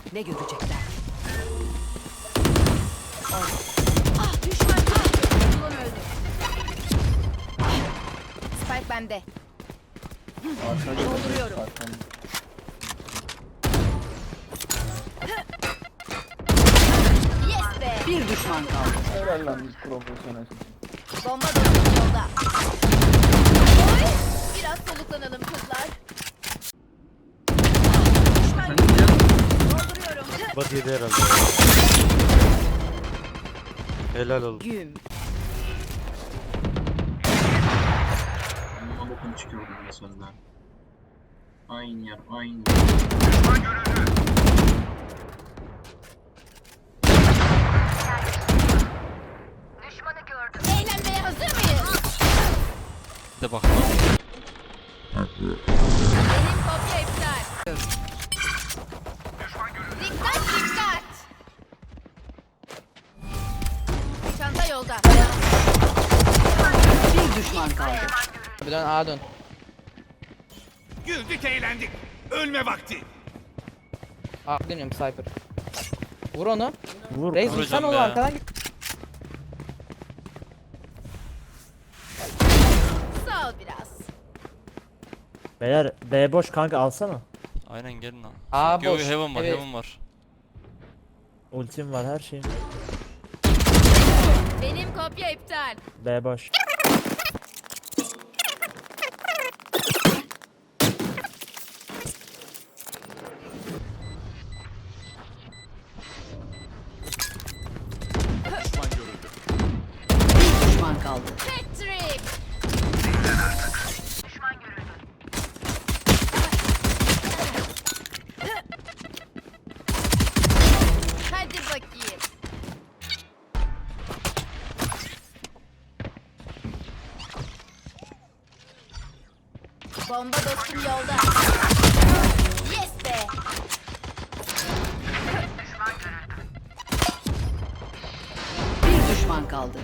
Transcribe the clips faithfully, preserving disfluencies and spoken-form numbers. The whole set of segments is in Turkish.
Ne görecekler? Ah, düşman Ulan öldü. Spike bende. Dolduruyorum. Yes be. Bir düşman kaldı. Helal lan biz profesyonel. Bomba dostum yolda. Oy! Biraz soluklanalım kızlar. Düşman dolduruyorum. Bat yedi herhalde. Helal olsun. Güm. Amma bokunu çıkıyor buradan sözler. Aynı yer, aynı yer. Eğlenmeye hazır mıyız? De bak. Benim kopya iptal. Dikkat dikkat. Çanta yolda. Bir düşman kaldı. Bir dön A dön. Güldük eğlendik. Ölme vakti. A dönüyorum Cypher. Vur onu. Vur. Reis Vuracağım vursan onu be. arkadan git. Sağ ol biraz. Beyler B boş kanka alsana. Aynen gelin lan. A Yo, boş. heaven var, Evet. heaven var. Ultim var her şeyim. Benim kopya iptal. B boş. Bir düşman kaldı. Patrick. Hadi bakayım. Bomba dostum yolda. Yes be. Bir düşman kaldı.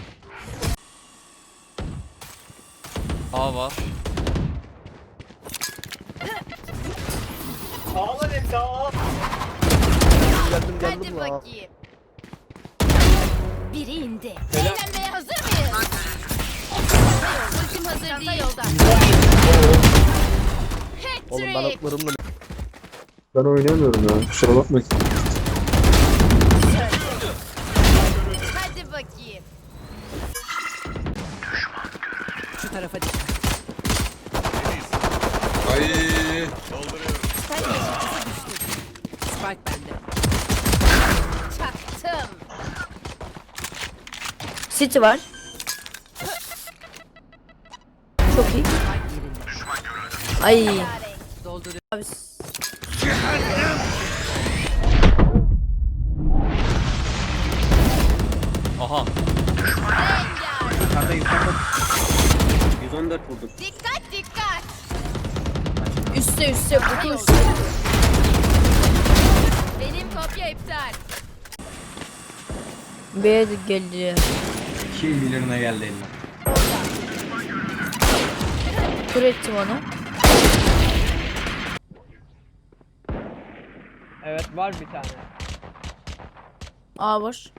A var. Hadi bakayım. Biri indi. Eğlenmeye hazır mıyız? Ultim hazır Çanta değil. Yolda. Oğlum ben Patrick. atlarımla... Ben oynayamıyorum ya. Kusura bakmayın. Hadi bakayım. Şu tarafa dikkat. Ay. Sen yeşilcisi düştü. Spike bende. Çaktım. City var. Çok iyi. Spike yerinde. Ay. Yare. Dolduruyor. Abi s- Aha. Rengar. yüz on dört vurduk. Dikkat dikkat. üstte üstte kutu Yolda. üstte. Benim kopya iptal. B'ye de geliyor. Kim bilir ne geldi eline. Kur ettim onu. Evet var bir tane. A boş.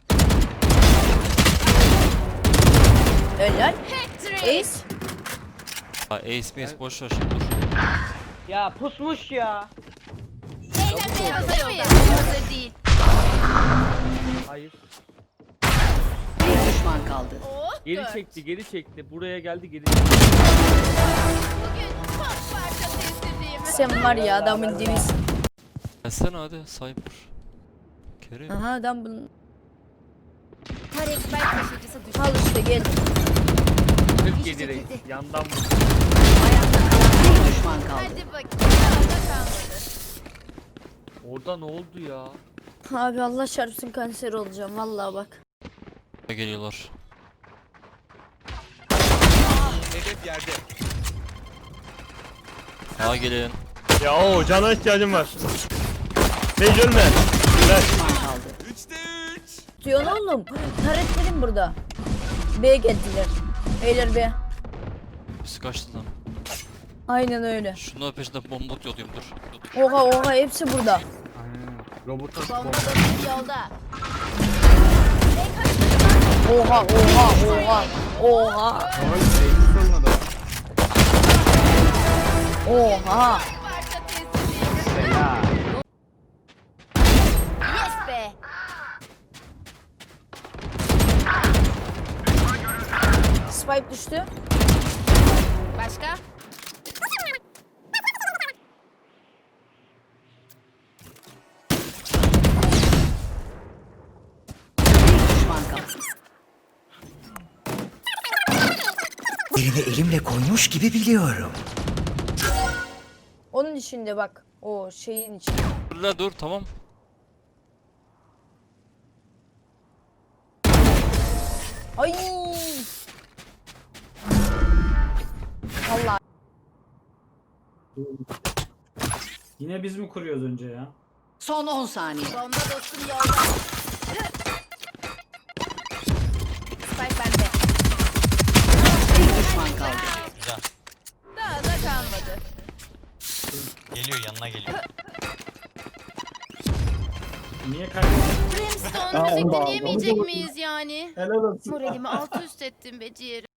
Helal. Patrick. Ace. Ha, Ace Mace boş ver şimdi dur. Ya pusmuş ya. Eğlenmeye hazır mıyız? Hazır değil. Hayır. Bir düşman kaldı. Oh, Geri dört. çekti geri çekti. Buraya geldi geri çekti. Bugün çok parça sessizliğim. Sen var ya adamın dibisin. Gelsene hadi Cypher. Kerim. Aha adam bunun. Tarek Bey taşıyıcısı düştü. Al işte gel. kırk yedi reis. Yandan vurdu. Bir düşman kaldı. Hadi bakayım. Sağda kalmadı. Orada ne oldu ya? Abi Allah çarpsın kanser olacağım vallahi bak. Geliyorlar. Hedef yerde. A gelin. Ya o cana ihtiyacım var. Sage ölme. Ver. Düşman kaldı. Üçte üç. Diyor oğlum. Taretlerim burada. B'ye geldiler. Beyler B. Biz kaçtı lan. Aynen öyle. Şunların peşinde bomba atıyordum dur. dur. Oha oha hepsi burada. Hmm. Robota Bomba dostum yolda. Oha oha oha. Oha. Ay, neydi sorun adam? Oha. Parça teslim. Ya. Yes be. Spike düştü. Başka? Elini elimle koymuş gibi biliyorum. Onun içinde bak. O şeyin içinde. Dur la dur tamam. Ay. Allah. Yine biz mi kuruyoruz önce ya? Son on saniye. Bomba dostum yolda. Spike bende. Bir düşman kaldı. Güzel. Daha da kalmadı. Geliyor yanına geliyor. Niye kaybettin? Brimstone Aa, müzik onu da aldım. dinleyemeyecek miyiz yani? Helal olsun. Moralimi alt üst ettin be ciğerim.